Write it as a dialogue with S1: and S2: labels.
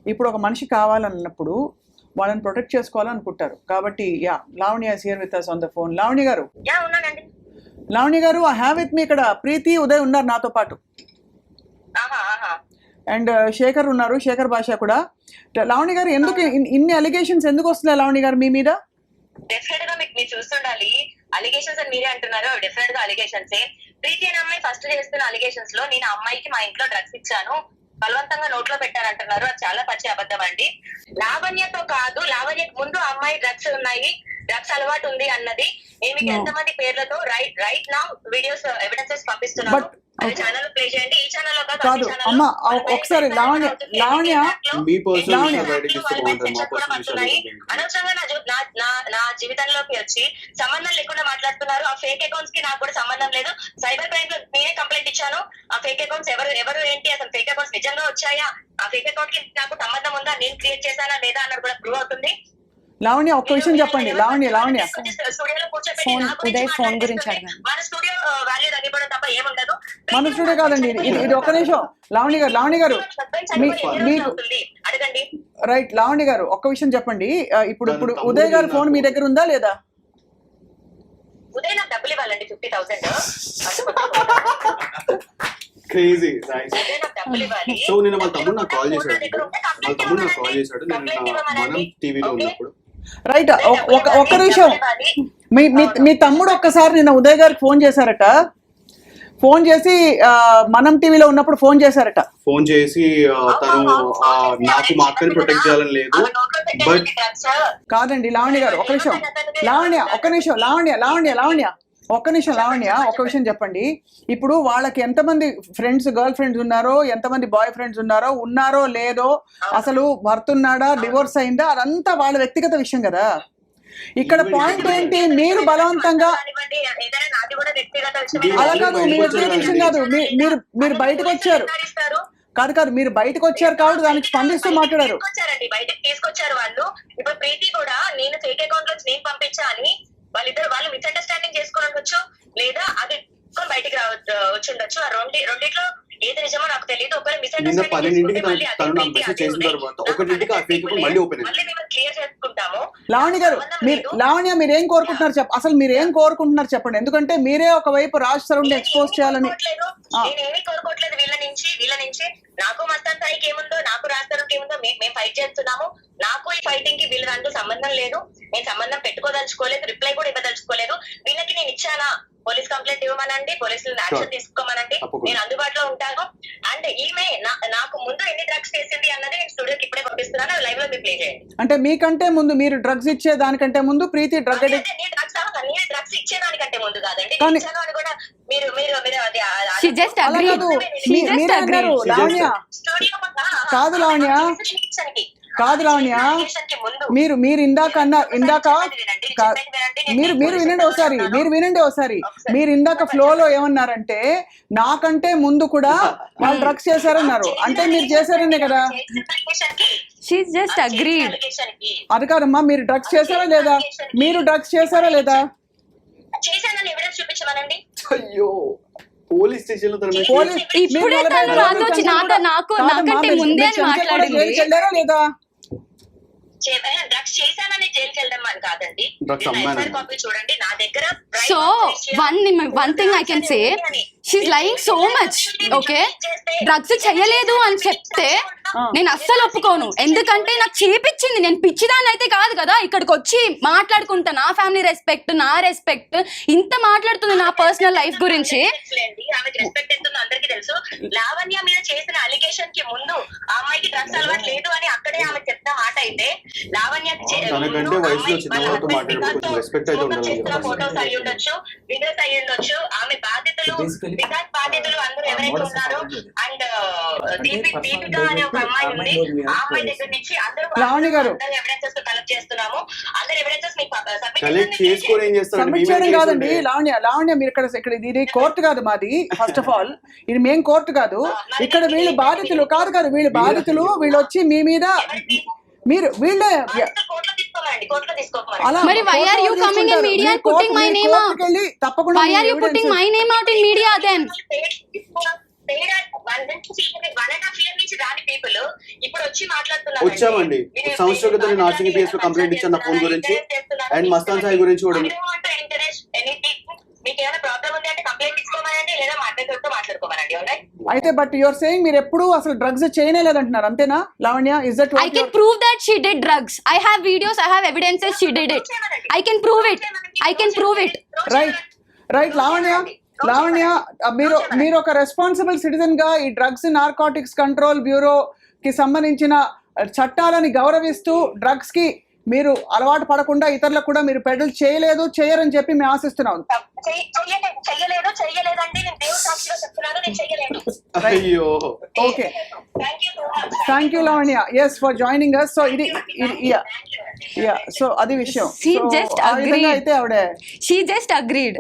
S1: ఇప్పుడు ఒక మనిషి కావాలన్నప్పుడు వాళ్ళని ప్రొటెక్ట్ చేసుకోవాలనుకుంటారు. కాబట్టి Lavanya is here with us on the phone. Lavanya గారు, లావణ్య గారు, ఐ హ్యావ్ విత్ మీ ఇక్కడ ప్రీతి, ఉదయ్ ఉన్నారు నాతో పాటు, అండ్ శేఖర్ ఉన్నారు, శేఖర్ భాష కూడా. లావణ్య గారు, ఎందుకు ఇన్ని అలిగేషన్స్ ఎందుకు వస్తున్నాయి లావణ్య గారు మీ మీద?
S2: డెఫినెట్ గా మీరు చూస్తుండాలి. అలిగేషన్స్ అని మీరే అంటున్నారు, డెఫినెట్ గా అలిగేషన్స్. ప్రీతి అనే అమ్మాయి ఫస్ట్ చేస్తున్న అలిగేషన్స్ లో నేను అమ్మాయికి మా ఇంట్లో డ్రగ్స్ ఇచ్చాను, బలవంతంగా నోట్లో పెట్టారంటున్నారు. అది చాలా పచ్చి అబద్ధం అండి. లావణ్యతో కాదు, లావణ్యకు ముందు అమ్మాయి డ్రగ్స్ ఉన్నాయి, డ్రగ్స్ అలవాటు ఉంది అన్నది మీకు ఎంతమంది పేర్లతో రైట్ నా వీడియోస్ ఎవిడెన్సెస్ పంపిస్తున్నారు. ఛానల్ ప్లే చేయండి. ఈ ఛానల్
S1: కాదు అమ్మా, ఒకసారి లావణ్య
S2: అనవసరంగా నా జీవితంలోకి వచ్చి సంబంధం లేకుండా మాట్లాడుతున్నారు. ఆ ఫేక్ అకౌంట్స్ కి నాకు కూడా సంబంధం లేదు. సైబర్ క్రైమ్ లో నేనే కంప్లైంట్ ఇచ్చాను. ఆ ఫేక్ అకౌంట్స్ ఎవరు ఏంటి, అసలు ఫేక్ అకౌంట్స్ నిజంగా వచ్చాయా, ఆ ఫేక్ అకౌంట్ కి నాకు సంబంధం ఉందా, నేను క్రియేట్ చేశానా లేదా అన్నది కూడా ప్రూవ్ అవుతుంది.
S1: లావణ్య, ఒక్క విషయం చెప్పండి. లావణ్య
S2: స్టూడియోలో కూర్చోబెట్టి
S3: ఫోన్ గురించి
S2: మన స్టూడియో వాల్యూ తగ్గిపోవడం తప్ప ఏముండదు.
S1: మన స్టూడియో కాదండి ఇది. ఒక్క నిమిషం లావణ్య గారు మీకు
S2: అడగండి.
S1: రైట్ లావణ్య గారు, ఒక్క విషయం చెప్పండి. ఇప్పుడు ఉదయ్ గారు ఫోన్ మీ దగ్గర ఉందా లేదా?
S2: ఉదయ్ నాకు డబ్బులు ఇవ్వాలండి, 50,000.
S4: క్రేజీ. సో నేను వాళ్ళ తమ్ముడు నాకు కాల్ చేశాడు, నేను మనం టీవీలో ఉన్నప్పుడు.
S1: రైట్, ఒక్క నిమిషం. మీ తమ్ముడు ఒక్కసారి నిన్న ఉదయ్ గారికి ఫోన్ చేశారట. ఫోన్ చేసి మనం టీవీలో ఉన్నప్పుడు ఫోన్ చేశారట.
S4: ఫోన్ చేసి తను నాకు మా అక్కని ప్రొటెక్ట్ చేయాలని లేదు. బట్
S1: కాదండి లావణ్య గారు, ఒక్క నిమిషం. లావణ్య ఒక్క నిమిషం. లావణ్య ఒక్క విషయం చెప్పండి. ఇప్పుడు వాళ్ళకి ఎంతమంది ఫ్రెండ్స్, గర్ల్ ఫ్రెండ్స్ ఉన్నారో, ఎంతమంది బాయ్ ఫ్రెండ్స్ ఉన్నారో లేదో, అసలు భర్త ఉన్నాడా, డివోర్స్ అయిందా, అదంతా వాళ్ళ వ్యక్తిగత విషయం కదా. ఇక్కడ పాయింట్ ఏంటి, మీరు బలవంతంగా అలా కాదు, మీ వ్యక్తిగత విషయం కాదు. మీరు బయటకు వచ్చారు కాదు మీరు బయటకు వచ్చారు కాబట్టి దానికి స్పందిస్తూ మాట్లాడారు.
S2: బయటకు తీసుకొచ్చారు వాళ్ళు. ఇప్పుడు ప్రీతి కూడా నేను ఫేక్ అకౌంట్ లో నేను పంపించా అని వాళ్ళు మిస్అండర్స్టాండింగ్ చేసుకుని ఉండొచ్చు, లేదా అది బయటికి వచ్చి ఉండొచ్చు. ఆ రెండిట్లో ఏది నిజమో నాకు తెలియదు. ఒకరు
S4: మిస్అండర్స్టాండింగ్
S2: క్లియర్ చేసుకుంటాము.
S1: లావణ్య గారు, మీరేం కోరుకుంటున్నారు అసలు మీరేం కోరుకుంటున్నారు చెప్పండి. ఎందుకంటే మీరే ఒకవైపు రాజ్ సరౌండ్ ఎక్స్పోజ్ చేయాలని.
S2: నేనేమీ కోరుకోవట్లేదు వీళ్ళ నుంచి. నాకు మస్తాన్ సాయికి ఏముందో, నాకు రాజ్ సరౌండ్కి ఏముందో, మేము ఫైట్ చేస్తున్నాము. నాకు ఈ ఫైటింగ్ కి వీళ్ళ దాంట్లో సంబంధం లేదు. నేను సంబంధం పెట్టుకోదలుచుకోలేదు, రిప్లై కూడా ఇవ్వదలుచుకోలేదు. వీళ్ళకి నేను ఇచ్చానా, పోలీస్ కంప్లైంట్ ఇవ్వమనండి, పోలీసులు యాక్షన్ తీసుకోమనండి, నేను అందుబాటులో ఉంటాను. అండ్ ఈమె నాకు ముందు ఎన్ని డ్రగ్స్ చేసింది అన్నది నేను స్టూడియోకి ఇప్పుడే పంపిస్తున్నాను. లైవ్ లో మీరు ప్లే చేయండి.
S1: అంటే మీకంటే ముందు, మీరు డ్రగ్స్ ఇచ్చే దానికంటే ముందు ప్రీతి డ్రగ్స్
S2: ఇచ్చేదానికంటే ముందు కాదండి, ఇచ్చాను అని కూడా మీరు
S1: కాదు లావణ్య, మీరు ఇందాక వినండి ఒకసారి. మీరు ఇందాక ఫ్లోలో ఏమన్నారంటే, నాకంటే ముందు కూడా వాళ్ళు డ్రగ్స్ చేశారన్నారు. అంటే మీరు చేశారనే కదా. అది కాదమ్మా, మీరు డ్రగ్స్ చేశారా లేదా?
S2: చేశానని ఎవిడెన్స్ చూపించమనండి.
S4: అయ్యో, పోలీస్ స్టేషన్ లో
S3: ఇప్పుడే తను నాకంటే ముందే
S1: మాట్లాడారా లేదా?
S2: డ్రగ్స్ చేశానని జైలుకి వెళ్దాం అని కాదండి. కాపీ చూడండి నా దగ్గర.
S3: So one thing I can say, she's lying so much. Okay, drugs చెయ్యలేదు అని చెప్తే నేను అస్సలు ఒప్పుకోను. ఎందుకంటే నాకు చేపించింది, నేను పిచ్చిదాన్ని అయితే కాదు కదా. ఇక్కడికి వచ్చి మాట్లాడుకుంటా, నా ఫ్యామిలీ రెస్పెక్ట్, నా రెస్పెక్ట్, ఇంత మాట్లాడుతుంది నా పర్సనల్ లైఫ్ గురించి.
S2: ఆమెకి రెస్పెక్ట్ ఎంతుందో అందరికీ తెలుసు. లావణ్య మీద చేసిన అలిగేషన్ కి ముందు ఆ అమ్మాయికి డ్రగ్స్ అలవాటు లేదు అని అక్కడే ఆమె చెప్తా మాట అయితే, లావణ్య ఫోటోస్ అయ్యి ఉండొచ్చు, వీడియోస్ అయ్యి ఉండొచ్చు. ఆమె బాధ్యతలు అందరూ ఎవరైతే ఉన్నారో, అండ్ దీపిక అనే ఒక అమ్మాయి ఉంది, ఆ అమ్మాయి దగ్గర నుంచి అందరూ ఎవిడెన్సెస్ కలెక్ట్ చేస్తున్నాము. అందరు ఎవిడెన్సెస్
S1: సబ్మిట్ చేయడం కాదండి లావణ్య, మీరు ఇక్కడ ఇది కోర్టు కాదు మాది. ఫస్ట్ ఆఫ్ ఆల్ ఇది మేం కోర్టు కాదు. ఇక్కడ వీళ్ళు బాధితులు కాదు, వీళ్ళు బాధితులు. వీళ్ళు వచ్చి మీ మీద మీరు వీళ్ళే
S3: మరి why are you coming in media and putting my name out? Why are you putting my name out in media then?
S2: 1.5 year నుంచి రాని పీపుల్ ఇప్పుడు వచ్చి మాట్లాడుతున్నారు.
S4: వచ్చామండి. ఒక సంవత్సరం క్రితం నేను ఆర్సీబీ PS లో కంప్లైంట్ ఇచ్చాను నా ఫోన్ గురించి అండ్ మస్తాన్ సాయి గురించి కూడా.
S2: మీకు ఏమైనా ప్రాబ్లం ఉంది అంటే కంప్లైంట్ ఇచ్చుకోమనండి, లేదా మాట్లాడుతూ మాట్లాడుకోమనండి.
S1: అయితే బట్ యువర్ సేయింగ్ మీరు ఎప్పుడు అసలు డ్రగ్స్ చేయలేదంటున్నారు, అంతేనా Lavanya? Is that
S3: I can prove that she did drugs. I have videos, I have evidences she did it. I can prove it. I can prove it.
S1: Right Lavanya మీరు ఒక responsible citizen గా ఈ drugs narcotics control bureau కి సంబంధించిన చట్టాలని గౌరవిస్తూ drugs కి మీరు అలవాటు పడకుండా ఇతరులకు కూడా మీరు పెడల్ చేయరని చెప్పి మేము ఆశిస్తున్నాం.
S2: చెయ్యలేదండి, నేను దేవుడి సాక్షిగా చెప్తున్నాను, నేను చెయ్యలేదు.
S4: అయ్యో
S1: okay, thank you Lavanya, yes for joining us. So ఇది సో అది విషయం.
S3: She just
S1: ఆ విధంగా
S3: agreed.
S1: అయితే ఆవిడ
S3: She just agreed.